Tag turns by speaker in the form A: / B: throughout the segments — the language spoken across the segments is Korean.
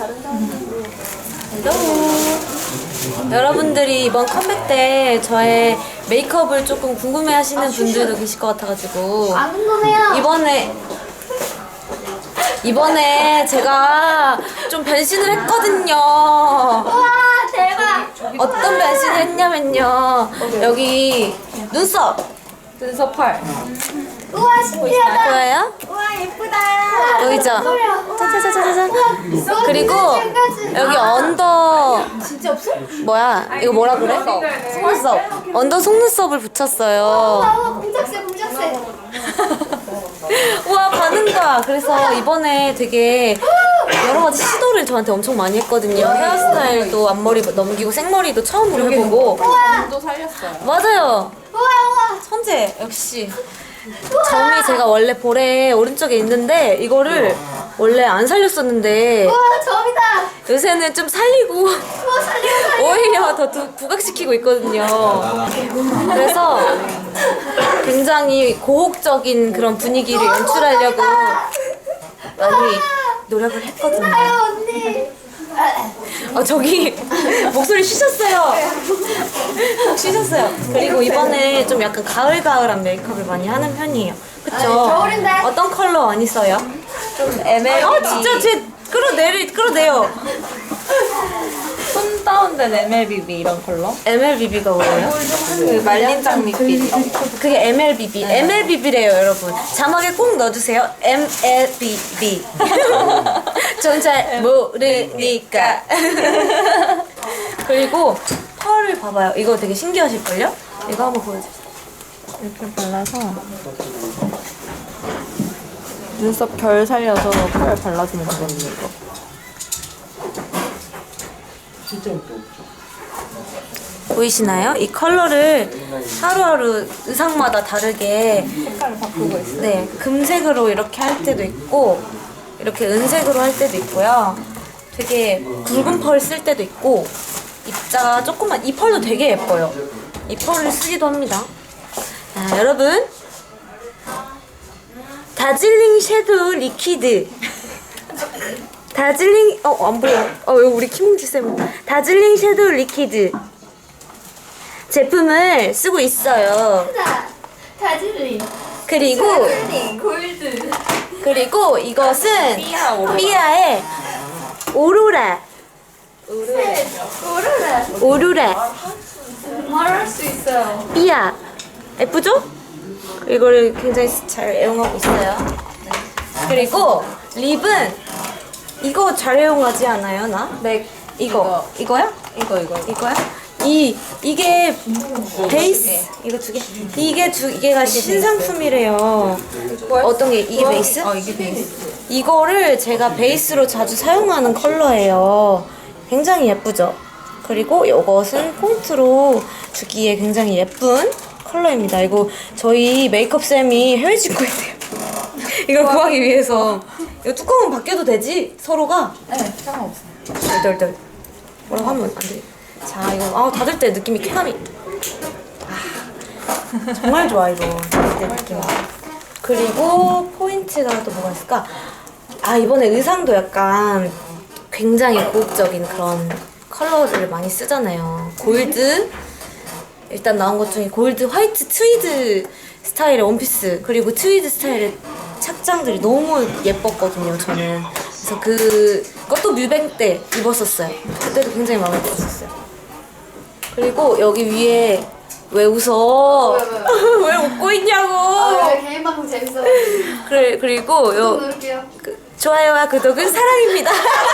A: 헬로. 여러분들이 이번 컴백 때 저의 메이크업을 조금 궁금해하시는 분들도 계실 것 같아가지고
B: 안 궁금해요.
A: 이번에 제가 좀 변신을 했거든요.
B: 우와 대박.
A: 어떤 변신을 했냐면요. 여기 눈썹 펄
B: 우와 신기하다.
A: 보여요?
B: 우와 예쁘다.
A: 보이죠? 짜자자자자자. 그리고 여기 언더
B: 진짜 없어?
A: 뭐야? 이거 뭐라 그래? 속눈썹. 언더 속눈썹을 붙였어요.
B: 우와 공작새.
A: 우와 반응 봐. 그래서 이번에 되게 여러 가지 시도를 저한테 엄청 많이 했거든요. 헤어스타일도 앞머리 넘기고 생머리도 처음으로 해보고.
C: 또 살렸어요.
A: 맞아요.
B: 우와.
A: 천재 역시. 점이 제가 원래 볼에 오른쪽에 있는데 이거를 원래 안 살렸었는데
B: 우와 점이다.
A: 요새는 좀 살리고
B: 우와 살려.
A: 오히려 더 부각시키고 있거든요. 그래서 굉장히 고혹적인 그런 분위기를 연출하려고 많이 노력을 했거든요.
B: 아유 언니.
A: 저기 목소리 쉬셨어요. 쉬셨어요. 그리고 이번에 좀 약간 가을가을한 메이크업을 많이 하는 편이에요. 그쵸?
B: 겨울인데.
A: 어떤 컬러 많이 써요?
C: 좀 MLB.
A: 진짜 제 끌어내요.
C: 손 다운된 MLBB 이런 컬러.
A: MLBB가 뭐예요?
C: 그 말린 장미빛.
A: 그게 MLBB. MLBB래요, 여러분. 자막에 꼭 넣어주세요. MLBB. 전 잘 모르니까. 그리고 펄을 봐봐요. 이거 되게 신기하실걸요? 이거 한번 보여주세요.
C: 이렇게 발라서 눈썹 결 살려서 펄 발라주면 되거든요. 이거.
A: 보이시나요? 이 컬러를 하루하루 의상마다 다르게
C: 색깔을 바꾸고 있어요.
A: 네, 금색으로 이렇게 할 때도 있고 이렇게 은색으로 할 때도 있고요. 되게 굵은 펄 쓸 때도 있고 입자가 조금만, 이 펄도 되게 예뻐요. 이 펄을 쓰기도 합니다. 자, 여러분 다즐링 섀도우 리퀴드 다즐링 안 보여. 여기 우리 키몽지 쌤. 다즐링 섀도우 리퀴드 제품을 쓰고 있어요.
B: 다즐링.
A: 그리고
B: 골드.
A: 그리고 이것은
C: 삐아 오로라.
A: 삐아의 오로라. 오로라.
B: 말할 수 있어요.
A: 삐아. 예쁘죠? 이거를 굉장히 잘 애용하고 있어요. 그리고 립은 이거 잘 애용하지 않아요, 나?
C: 맥
A: 이거야? 이거야? 이게 베이스 이거 두 개. 이게 두 개가 신상품이래요. 어떤 게 이게 베이스?
C: 이게 베이스.
A: 이거를 제가 베이스로 자주 사용하는 컬러예요. 굉장히 예쁘죠? 그리고 이것은 폰트로 주기에 굉장히 예쁜 컬러입니다. 이거 저희 메이크업 쌤이 해외 직구에 돼요. 이걸 구하기 위해서. 이거 뚜껑은 바뀌어도 되지? 서로가?
C: 네, 상관없어요.
A: 덜덜덜. 뭐라고 하면 안 돼. 자, 이거 닫을 때 느낌이 쾌감이. 정말 좋아 이거. 닫을 때 느낌. 그리고 포인트가 또 뭐가 있을까? 이번에 의상도 약간 굉장히 고급적인 그런 컬러를 많이 쓰잖아요. 골드. 일단 나온 것 중에 골드, 화이트, 트위드 스타일의 원피스, 그리고 트위드 스타일의 착장들이 너무 예뻤거든요, 저는. 그래서 그것도 뮤뱅 때 입었었어요. 그때도 굉장히 마음에 들었었어요. 그리고 여기 위에 왜 웃어? 왜 웃고 있냐고?
B: 개인 방송 재밌어요.
A: 그리고
B: 누를게요.
A: 좋아요와 구독은 사랑입니다.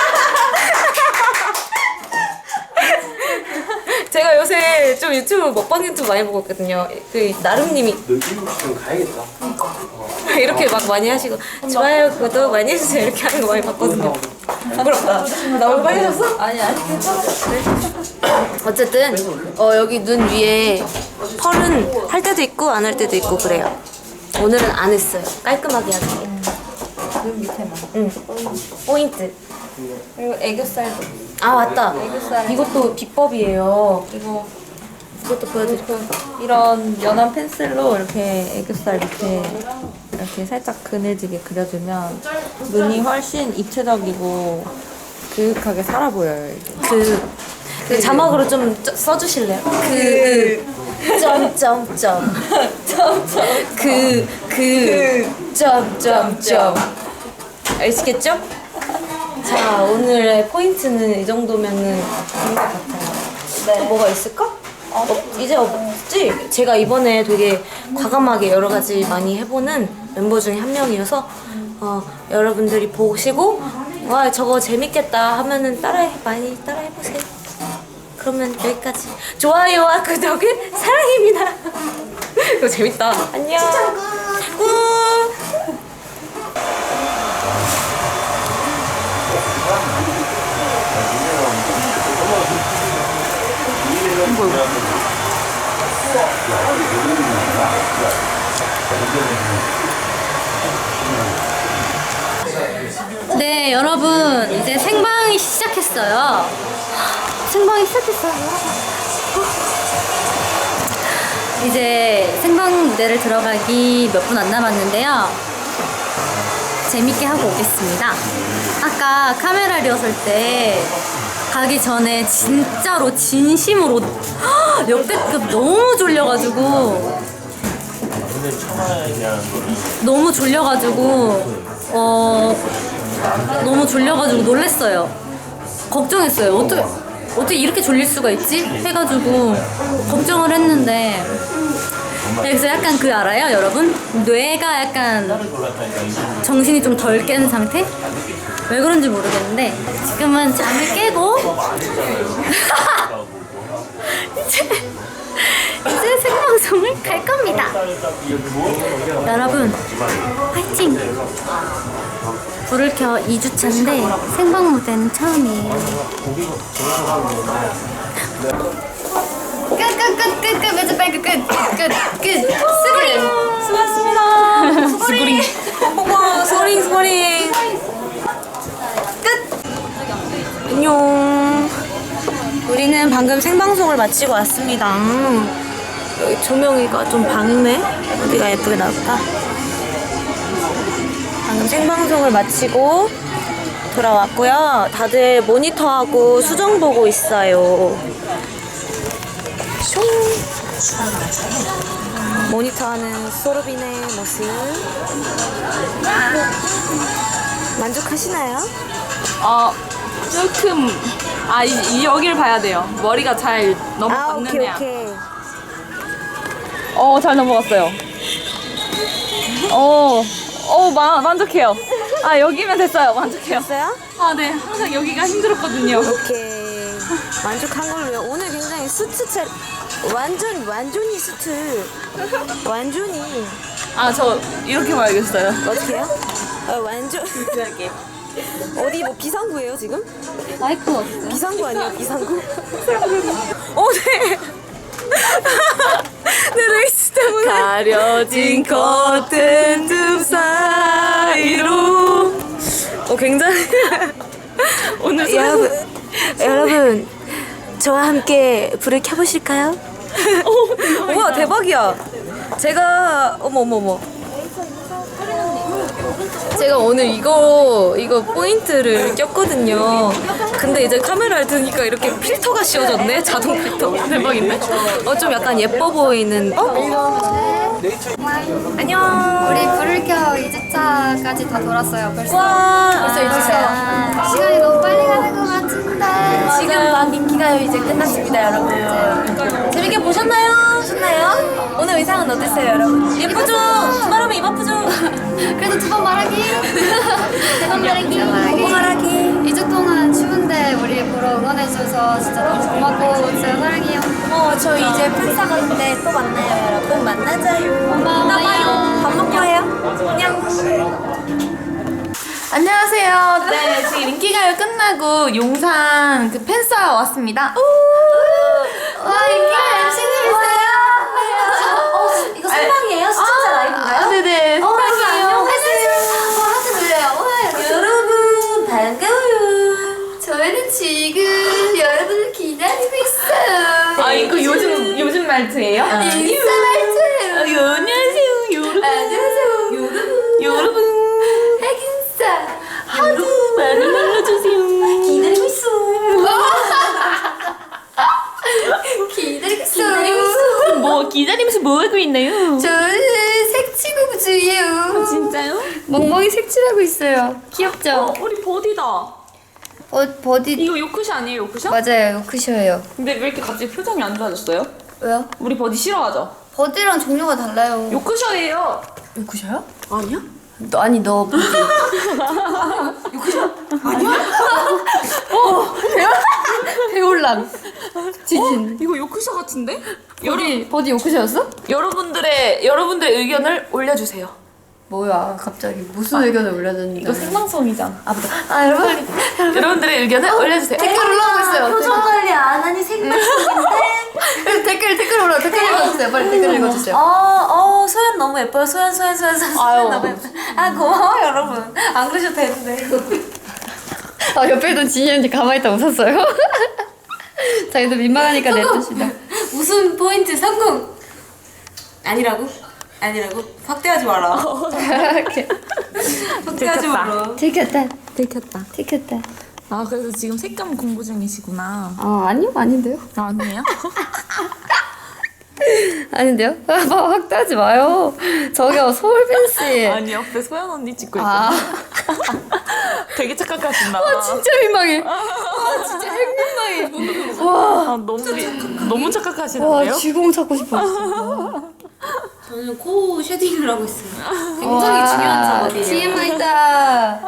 A: 제가 요새 좀 유튜브 먹방 유튜브 많이 보고 있거든요. 그 나름님이
D: 좀 가야겠다.
A: 이렇게 막 많이 하시고 좋아요 구독 많이 해주세요 이렇게 하는 거 많이 봤거든요. 부끄럽다. 나 오늘 빨개졌어?
C: 아니 괜찮아.
A: 어쨌든 여기 눈 위에 펄은 할 때도 있고 안 할 때도 있고 그래요. 오늘은 안 했어요. 깔끔하게 하기.
C: 눈 밑에만.
A: 응. 포인트.
C: 그리고 애교살도.
A: 맞다.
C: 애교살.
A: 이것도 비법이에요.
C: 이것도
A: 보여드릴게요.
C: 이런 연한 펜슬로 이렇게 애교살 밑에 이렇게 살짝 그늘지게 그려주면 눈이 훨씬 입체적이고 그윽하게 살아 보여요. 이게.
A: 그 자막으로 좀 써주실래요? 점점점 점점점 아시겠죠? 자, 오늘의 포인트는 이 정도면은 된 것 같아요. 또 뭐가 있을까? 이제 없지? 제가 이번에 되게 과감하게 여러 가지 많이 해보는 멤버 중에 한 명이어서 여러분들이 보시고 와 저거 재밌겠다 하면은 많이 따라해보세요. 그러면 여기까지. 좋아요와 구독은 사랑입니다. 이거 재밌다. 안녕. 꾹.
D: 네, 여러분 이제 생방이 시작했어요. 생방이 시작했어요. 이제 생방 무대를 들어가기 몇 분 안 남았는데요. 재밌게 하고 오겠습니다. 아까 카메라 리허설 때 가기 전에 진짜로 진심으로 역대급 너무 졸려가지고 너무 졸려가지고 놀랬어요. 걱정했어요. 어떻게 이렇게 졸릴 수가 있지? 해가지고 걱정을 했는데 그래서 약간 알아요 여러분? 뇌가 약간 정신이 좀 덜 깬 상태? 왜 그런지 모르겠는데 지금은 잠을 깨고 이제 생방송을 갈 겁니다. 여러분 화이팅! 불을 켜 2주차인데 생방 무대는 처음이에요. 끝 매주 빨리 끝 스고링
A: 수고하셨습니다. 스고링. 스고링. 끝. 안녕. 우리는 방금 생방송을 마치고 왔습니다. 여기 조명이가 좀 밝네. 어디가 예쁘게 나올까? 방금 생방송을 마치고 돌아왔고요. 다들 모니터하고 수정 보고 있어요. 숑. 모니터하는 소르빈의 모습 만족하시나요?
C: 조금 여기를 봐야 돼요. 머리가 잘 넘어갔느냐.
A: 오케이.
C: 잘 넘어갔어요. 만족해요. 여기면 됐어요. 만족해요.
A: 됐어요?
C: 네. 항상 여기가 힘들었거든요.
A: 오케이. 만족한 걸로요. 오늘 굉장히 수트 완전히 수트. 완전히.
C: 저 이렇게 봐야겠어요.
A: 어떻게요? 완전. 어디 뭐 비상구예요 지금?
D: 마이크가 없어요.
A: 비상구 아니에요 비상구? 네. 내 레이스 때문에 가려진 커튼 틈 사이로 굉장히 오늘 여러분 저와 함께 불을 켜보실까요? 우와 대박이야. 제가 어머 제가 오늘 이거 포인트를 꼈거든요. 근데 이제 카메라를 드니까 이렇게 필터가 씌워졌네. 자동 필터. 대박인데? 좀 약간 예뻐 보이는. 안녕.
B: 우리 불을 켜 2주차까지 다 돌았어요. 벌써
A: 와.
B: 2주차. 시간이 너무 빨리 가는 것 같은데.
A: 지금 막 인기가요 이제 끝났습니다, 여러분. 재밌게 보셨나요? 오늘 의상은 어땠어요, 여러분? 예쁘죠? 말하면 입 아프죠?
B: 그래도 두 번 말하기. 두번 말하기.
A: 말하기.
B: 2주 동안 추운데 우리 보러 응원해줘서 진짜 너무 고맙고 진짜 사랑해요.
A: 저 이제 팬싸 가는데 또 만나요, 여러분. 만나자요.
B: 고마워요.
A: 밥 먹고 해요. 안녕.
E: 안녕하세요. 네, 지금 인기가요 끝나고 용산 그 팬싸 왔습니다.
B: 와 인기가 MC님 있어요.
A: 이거 생방이에요? 시청자 라이브인가요?
E: 네네.
B: 안녕하세요. 하트 들려요.
A: 여러분, 반가워요.
B: 저희는 지금 여러분을 기다리고 있어요.
E: 이거 요즘 말투예요?
B: 인사 말투예요.
E: 안녕하세요, 여러분.
B: 안녕하세요.
E: 여러분.
B: 핵인사.
E: 하루 많이 놀러주세요.
D: 멍멍이 색칠하고 있어요. 귀엽죠?
C: 우리 버디다.
D: 버디
C: 이거 요크시 아니에요, 요크시?
D: 맞아요. 요크셔예요.
C: 근데 왜 이렇게 갑자기 표정이 안 좋아졌어요?
D: 왜요?
C: 우리 버디 싫어하죠?
D: 버디랑 종류가 달라요.
C: 요크셔예요.
D: 요크셔요?
C: 아니야?
D: 아니 너 버디. 배울란. 지진.
C: 이거 요크셔 같은데?
D: 버디 요크셔였어?
C: 여러분들의 의견을 올려주세요.
D: 뭐야 갑자기 무슨 의견을 올려줬는지.
C: 이거 생방송이잖아.
D: 아 여러분
C: 여러분들의 의견을 올려주세요.
D: 댓글 올라오고 있어요.
A: 표정 관리 안 하니 생방송인데.
D: 댓글 올라 댓글 읽어주세요. 빨리 댓글 읽어주세요.
A: 소연 너무 예뻐요. 소연
C: 아유.
A: 너무 예뻐요. 아 고마워 여러분. 안 그러셔도 되는데.
D: 아 옆에 있던 진이 언니 가만히 있다 웃었어요. 자기도 민망하니까 냅둡시다.
A: 웃음 포인트 성공. 아니라고? 확대하지 마라. 확대하지 마라.
D: 들켰다.
C: 들켰다. 아, 그래서 지금 색감 공부 중이시구나.
D: 아니요 아닌데요.
C: 아니에요?
D: 아닌데요? 확대하지 마요. 저기요 서울빈 씨.
C: 아니, 옆에 소연 언니 찍고 있어. 되게 착각하신다.
D: 진짜 민망해. 진짜 핵민망해. 와.
C: 너무 착각하시는데요?
D: 쥐공 찾고 싶어.
A: 저는 코 쉐딩을 하고 있어요. 굉장히 중요한 작업이에요.
D: TMI다.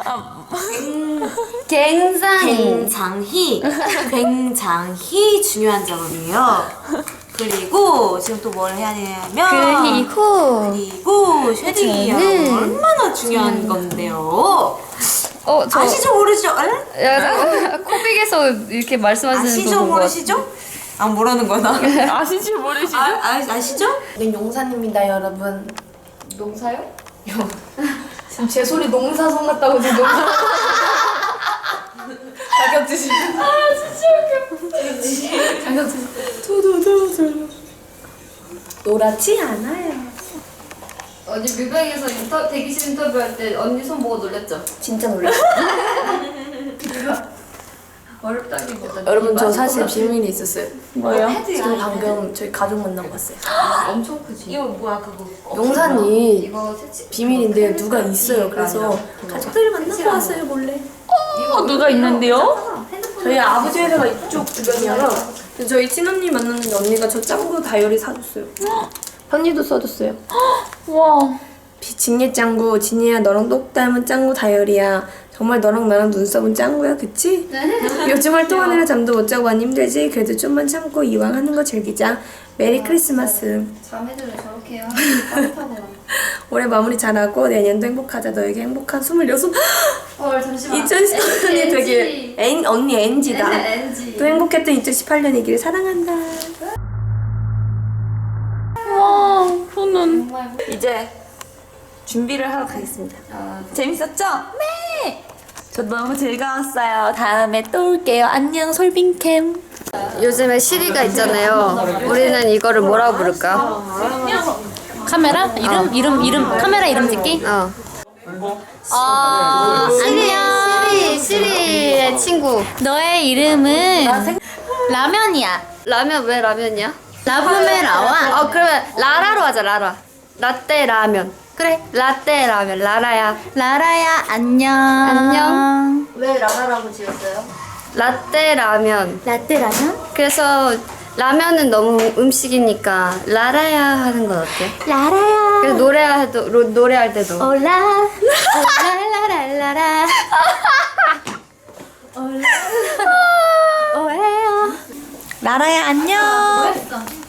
A: 굉장히 중요한 작업이에요. 그리고 지금 또 뭘 해야 되냐면 그리고 쉐딩이요. 얼마나 중요한 건데요.
D: 저
A: 아시죠 모르시죠?
D: 코빅에서 이렇게 말씀하시는
A: 아시죠 모르시죠? 아 뭐라는 거야 나?
C: 아시지 모르시죠?
A: 아시죠?
F: 여긴 용산입니다, 여러분.
D: 농사요?
F: 지금 제 소리 농사성 같다고 지금 농사. 자격지심. 자격지심. 노랗지 않아요.
D: 언니 뮤뱅에서 대기실 인터뷰할 때 언니 손 보고 놀랬죠?
F: 진짜 놀랐어.
D: 어렵다기보다
F: 여러분, 저 사실 비밀이 있었어요.
C: 뭐요?
F: 지금 방금 저희 가족 만나고 왔어요.
D: 엄청 크지?
A: 이거 뭐야 그거?
F: 용산이
D: 이거 색칠
F: 비밀인데 누가 있어요. 그래서 가족들을 만나고 왔어요, 몰래.
C: 누가 있는데요?
F: 저희 아버지 회사가 이쪽 주변이어서 저희 친언니 만났는데 언니가 저 짱구 다이어리 사줬어요. 편지도 써줬어요.
C: 와.
F: 진예 짱구, 진이야 너랑 똑 닮은 짱구 다이어리야. 정말 너랑 나랑 눈썹은 짱구야, 그치? 요즘 활동하느라 잠도 못 자고 많이 힘들지? 그래도 좀만 참고 이왕 하는 거 즐기자. 메리 크리스마스.
D: 자매들을 저렇게 해야 빠듯하구나.
F: 올해 마무리 잘하고 내년도 행복하자. 너에게 행복한 26.
D: 잠시만
F: 2014년이 되게 언니 NG다.
D: NG.
F: 또 행복했던 2018년이기를 사랑한다.
C: 와, 저는 이제 준비를 하러 가겠습니다. 재밌었죠? 네! 저 너무 즐거웠어요. 다음에 또 올게요. 안녕, 솔빈캠.
D: 요즘에 시리가 있잖아요. 우리는 이거를 뭐라고 부를까?
C: 카메라? 이름? 카메라 이름 짓기?
D: 시리의 친구.
C: 너의 이름은 라면이야.
D: 라면 왜 라면이야?
C: 라붐의 라와.
D: 그러면 라라로 하자. 라라. 라떼 라면. 그래. 라떼 라면. 라라야.
C: 라라야, 안녕.
D: 안녕.
F: 왜 라라라고 지었어요?
D: 라떼 라면.
C: 라떼 라면?
D: 그래서 라면은 너무 음식이니까 라라야 하는 건 어때?
C: 라라야.
D: 그래서 노래할 때도
C: 올라. 올라라라라라. 오해요. 라라야, 안녕.